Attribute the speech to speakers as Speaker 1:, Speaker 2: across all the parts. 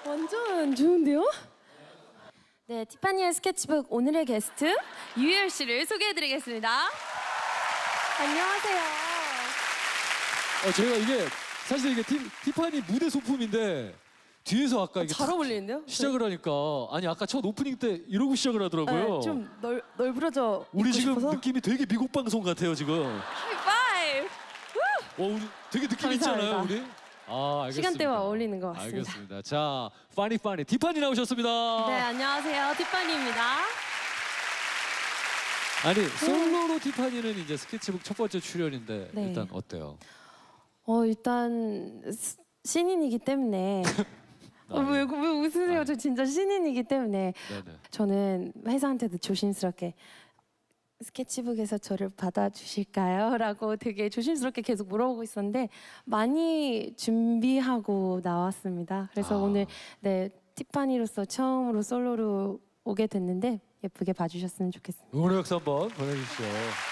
Speaker 1: 완전 좋은데요? 네, 티파니의 스케치북 오늘의 게스트 유열 씨를 소개해드리겠습니다. 안녕하세요.
Speaker 2: 저희가 이게 사실 이게 티파니 무대 소품인데 뒤에서 아까 이게
Speaker 1: 잘 어울리는데요?
Speaker 2: 시작을 하니까 아니 아까 첫 오프닝 때 이러고 시작을 하더라고요.
Speaker 1: 네, 좀 널브러져
Speaker 2: 우리
Speaker 1: 입고
Speaker 2: 지금
Speaker 1: 싶어서.
Speaker 2: 느낌이 되게 미국 방송 같아요 지금.
Speaker 1: 하이파이브!
Speaker 2: 우리 되게 느낌 있잖아요
Speaker 1: 감사합니다.
Speaker 2: 우리. 아 알겠습니다.
Speaker 1: 시간대와 어울리는 것 같습니다.
Speaker 2: 알겠습니다. 자, 파니 티파니 나오셨습니다.
Speaker 1: 네, 안녕하세요. 티파니입니다.
Speaker 2: 아니 솔로로 티파니는 이제 스케치북 첫 번째 출연인데
Speaker 1: 네.
Speaker 2: 일단 어때요?
Speaker 1: 일단 신인이기 때문에 왜 웃으세요? 저 진짜 신인이기 때문에
Speaker 2: 네네.
Speaker 1: 저는 회사한테도 조심스럽게 스케치북에서 저를 받아주실까요? 라고 되게 조심스럽게 계속 물어보고 있었는데 많이 준비하고 나왔습니다. 그래서 오늘 네 티파니로서 처음으로 솔로로 오게 됐는데 예쁘게 봐주셨으면 좋겠습니다.
Speaker 2: 응원의 박수 한번 보내주시죠.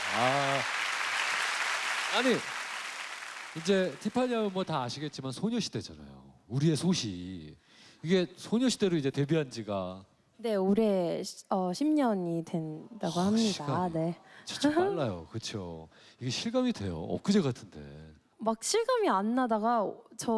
Speaker 2: 아니 이제 티파니 하면 뭐 다 아시겠지만 소녀시대잖아요. 우리의 소시. 이게 소녀시대로 이제 데뷔한 지가
Speaker 1: 네, 올해 10년이 된다고 합니다.
Speaker 2: 시간이.
Speaker 1: 네.
Speaker 2: 진짜 빨라요. 그렇죠. 이게 실감이 돼요. 엊그제 같은데.
Speaker 1: 막 실감이 안 나다가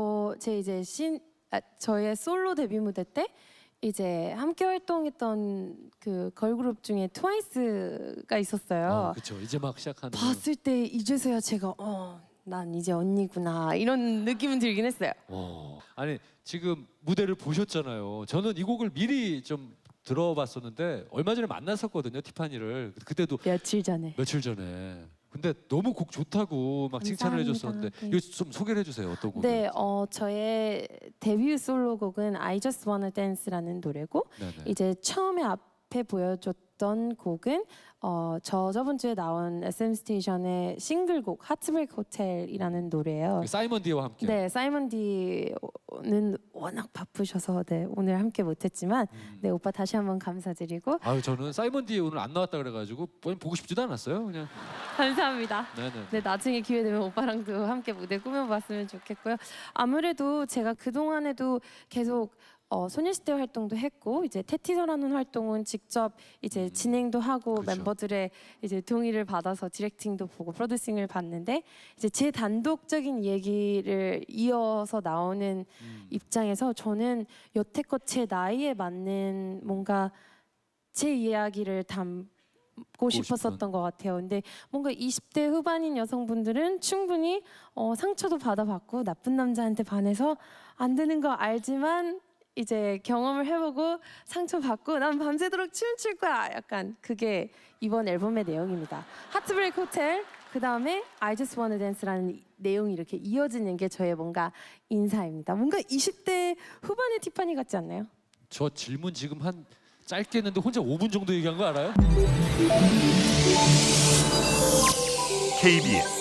Speaker 1: 저의 솔로 데뷔 무대 때 이제 함께 활동했던 그 걸그룹 중에 트와이스가 있었어요.
Speaker 2: 그렇죠. 이제 막 시작하는.
Speaker 1: 봤을 때 이제서야 제가 난 이제 언니구나 이런 느낌은 들긴 했어요.
Speaker 2: 아니 지금 무대를 보셨잖아요. 저는 이 곡을 미리 좀 들어봤었는데 얼마 전에 만났었거든요. 티파니를. 그때도
Speaker 1: 며칠 전에.
Speaker 2: 며칠 전에. 근데 너무 곡 좋다고 막 칭찬을
Speaker 1: 감사합니다.
Speaker 2: 해줬었는데
Speaker 1: 네.
Speaker 2: 이거 좀 소개를 해주세요. 어떤 곡인지.
Speaker 1: 네, 저의 데뷔 솔로곡은 I Just Wanna Dance라는 노래고
Speaker 2: 네네.
Speaker 1: 이제 처음에 앞에 보여줬던 곡은 저번 주에 나온 SM 스테이션의 싱글곡 하트브레이크 호텔이라는 노래예요.
Speaker 2: 사이먼 디와 함께.
Speaker 1: 네, 사이먼 디는 워낙 바쁘셔서 네, 오늘 함께 못했지만 네 오빠 다시 한번 감사드리고
Speaker 2: 아유 저는 사이먼 디 오늘 안 나왔다 그래가지고 보고 싶지도 않았어요. 그냥.
Speaker 1: 감사합니다.
Speaker 2: 네네.
Speaker 1: 네, 나중에 기회 되면 오빠랑도 함께 무대 꾸며봤으면 좋겠고요. 아무래도 제가 그 동안에도 계속 소녀시대 활동도 했고 이제 테티서라는 활동은 직접 이제 진행도 하고
Speaker 2: 그렇죠.
Speaker 1: 멤버들의 이제 동의를 받아서 디렉팅도 보고 프로듀싱을 봤는데 이제 제 단독적인 얘기를 이어서 나오는 입장에서 저는 여태껏 제 나이에 맞는 뭔가 제 이야기를 담고 싶었었던 것 같아요. 근데 뭔가 20대 후반인 여성분들은 충분히 상처도 받아봤고 나쁜 남자한테 반해서 안 되는 거 알지만 이제 경험을 해보고 상처받고 난 밤새도록 춤출 거야. 약간 그게 이번 앨범의 내용입니다. 하트브레이크 호텔 그 다음에 I Just Wanna Dance라는 내용이 이렇게 이어지는 게 저의 뭔가 인사입니다. 뭔가 20대 후반의 티파니 같지 않나요?
Speaker 2: 저 질문 지금 한 짧게 했는데 혼자 5분 정도 얘기한 거 알아요?
Speaker 3: KBS